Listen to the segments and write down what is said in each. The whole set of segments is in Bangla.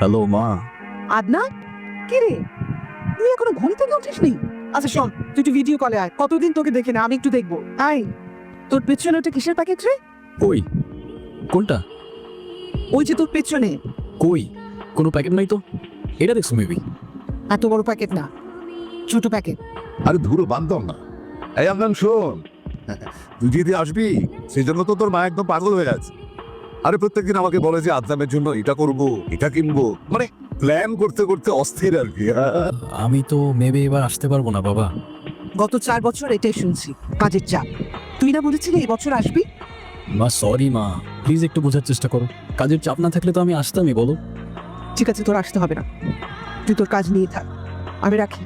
হ্যালো মা। আদনান, কি রে তুই এখনো ঘুম থেকে উঠিসনি? আচ্ছা শোন, তুই একটু ভিডিও কলে আয়, কতদিন তোকে দেখে না, আমি একটু দেখবো। আয়, তোর পেছনে ওটা কিসের প্যাকেট রে? কই? কোনটা? ওই যে তোর পেছনে। কই? কোনো প্যাকেট নাই তো। এটা দেখছো মেবি। এত বড় প্যাকেট না, ছোট প্যাকেট। আরে ধুরো বান্ধব না। এই আদনান শোন, তুই যদি আসবি সেই জন্য তো তোর মা একদম পাগল হয়ে আছে। আরে প্রত্যেকদিন আমাকে বলে যে আদনানের জন্য এটা করবো এটা কিনবো, মানে প্ল্যান করতে করতে অস্থির আর কি। আমি তো মেবি এবার আসতে পারবো না বাবা। গত 4 বছর এটাই শুনছি, কাজের চাপ। তুই না বলেছিলি এই বছর আসবি? মা সরি মা, প্লিজ একটু বোঝার চেষ্টা করো। কাজের চাপ না থাকলে তো আমি আসতামই, বলো। ঠিক আছে, তোর আসতে হবে না, তুই তোর কাজ নিয়ে থাক, আমি রাখি।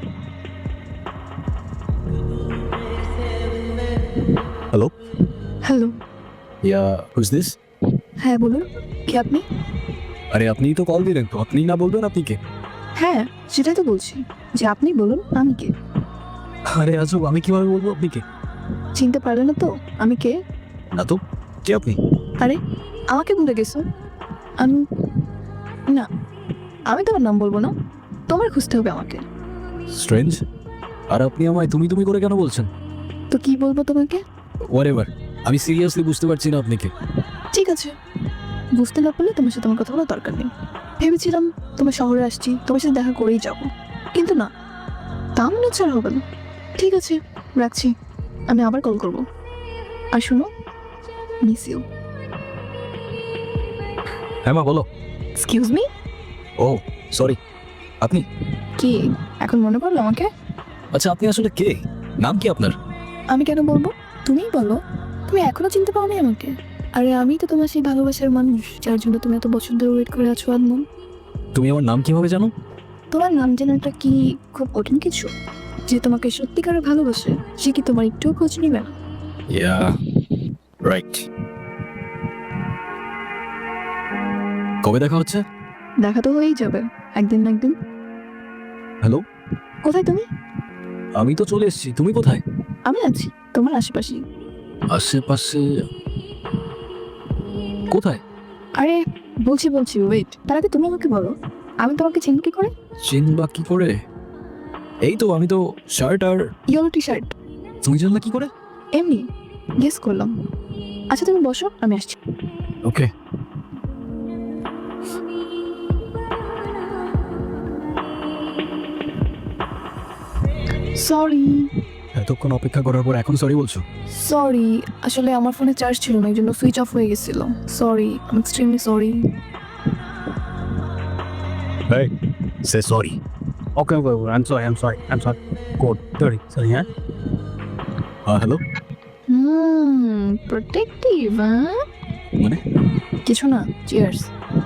Hello. Hello. Yeah who's this? হ্যাঁ বলুন, কি আপনি? আরে আপনিই তো কল দিলেন, তো আপনিই না বলবেন আপনি কে? হ্যাঁ সেটাই তো বলছি, যে আপনি বলুন আমি কে। আরে আজব, আমি কিভাবে বলবো আপনি কে? চিনতে পারলে না তো আমি কে? না তো, কে আপনি? আরে আমাকে ভুলে গেছো? আমি না, আমি তোমার নাম বলবো না, তোমার খুঁজতে হবে আমাকে। স্ট্রেঞ্জ। আর আপনি আমায় তুমি তুমি করে কেন বলছেন? তো কি বলবো তোমাকে? হোয়াটএভার, আমি সিরিয়াসলি বুঝতে পারছি না আপনি কে। ঠিক আছে, বুঝতে না পারলে তোমার সাথে আমার কথা বলার দরকার নেই। ভেবেছিলাম তোমার শহরে আসছি, তোমার সাথে দেখা করেই যাব, কিন্তু না, তা মনে হচ্ছে আর হবে না। ঠিক আছে, রাখছি, আমি আবার কল করবো। আর শুনো, মিস ইউ। হ্যাঁ মা বলো। Excuse me. ও সরি, আপনি? কি এখন মনে পড়লো আমাকে? আচ্ছা আপনি আসলে কে? নাম কি আপনার? আমি কেন বলবো, তুমিই বলো। তুমি এখনো চিনতে পারোনি আমাকে? আরে আমি তো তোমার সেই ভালোবাসার মানুষ যার জন্য তুমি এত বছর ধরে ওয়েট করে আছো আদনান। তুমি আমার নাম কিভাবে জানো? তোমার নাম জানাটা কি খুব কঠিন কিছু? যে তোমাকে সত্যিকারের ভালোবাসে সে কি তোমার একটুও খোঁজ নিবে না? Yeah right. কবে দেখা হচ্ছে? দেখা তো হয়েই যাবে একদিন না একদিন। হ্যালো। কোথায় তুমি? আমি তো চলে এসেছি, তুমি কোথায়? আমি আছি তোমার আশেপাশেই। আশেপাশে? কোথায়? আরে বলছি বলছি, ওয়েট, তার আগে তুমি আমাকে বলো, আমি তোমাকে চিনি কি করে? চিনবা কি করে? এই তো আমি তো শার্ট আর। Yellow T shirt. তুমি জানলা কি করে? এমনি গেস করলাম। আচ্ছা তুমি বসো, আমি আসছি। ওকে। সরি। এতক্ষণ অপেক্ষা করার পর এখন সরি বলছো? সরি, আসলে আমার ফোনে চার্জ ছিল না, এই জন্য সুইচ অফ হয়ে গেছিল। Sorry, I extremely sorry. Hey, say sorry. Okay, I'm sorry. Code 30. Sorry, yeah? Hello. Protective, হ্যাঁ? মানে? কিছু না, চিয়ার্স।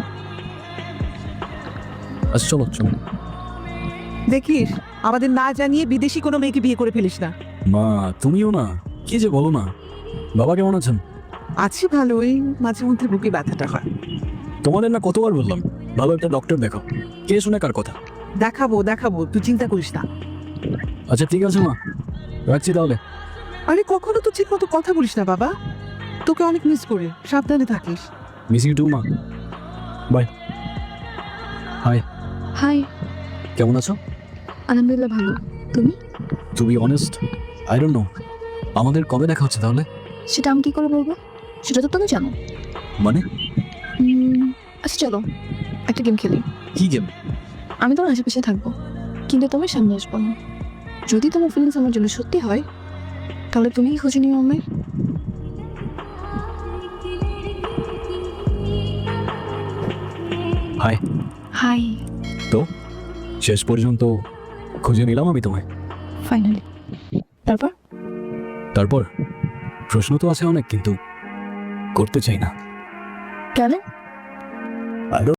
আচ্ছা চলো চলো। দেখিস, আমাদের না জানিয়ে বিদেশি কোনো মেয়েকে বিয়ে করে ফেলিস না। মা তুমিও না, কি যে বলো না। বাবা কেমন আছেন? আছি ভালোই, মাঝে মধ্যে বুকে ব্যথাটা হয়। তোমাদের না কতবার বললাম ভালো একটা ডক্টর দেখাও, কে শুনে কার কথা। দেখাবো দেখাবো, তুই চিন্তা করিস না। আচ্ছা ঠিক আছে মা, রাখছি তাহলে। আরে কখনো তো ঠিক মতো কথা বলিস না বাবা, তোকে অনেক মিস করে, সাবধানে থাকিস। মিস ইউ টু মা, বাই। হাই। হাই। কেমন আছো? আলহামদুলিল্লাহ ভালো, তুমি? To be honest, I don't know আমাদের কবে দেখা হচ্ছে তাহলে। সেটা আমি কি করে বলবো, সেটা তো তুমি জানো। মানে? আচ্ছা চলো একটা গেম খেলি। কি গেম? আমি তোমার আশেপাশে থাকবো, কিন্তু তোমার সামনে আসবো না। যদি তোমার ফিলিংস আমার জন্য সত্যি হয়, তাহলে তুমি কি খুঁজে নিও আমায়? হাই। হাই। তো শেষ পর্যন্ত খুঁজে নিলাম আমি তোমায়। ফাইনালি। তারপর? তারপর প্রশ্ন তো আছে অনেক, কিন্তু করতে চাই না। কেন?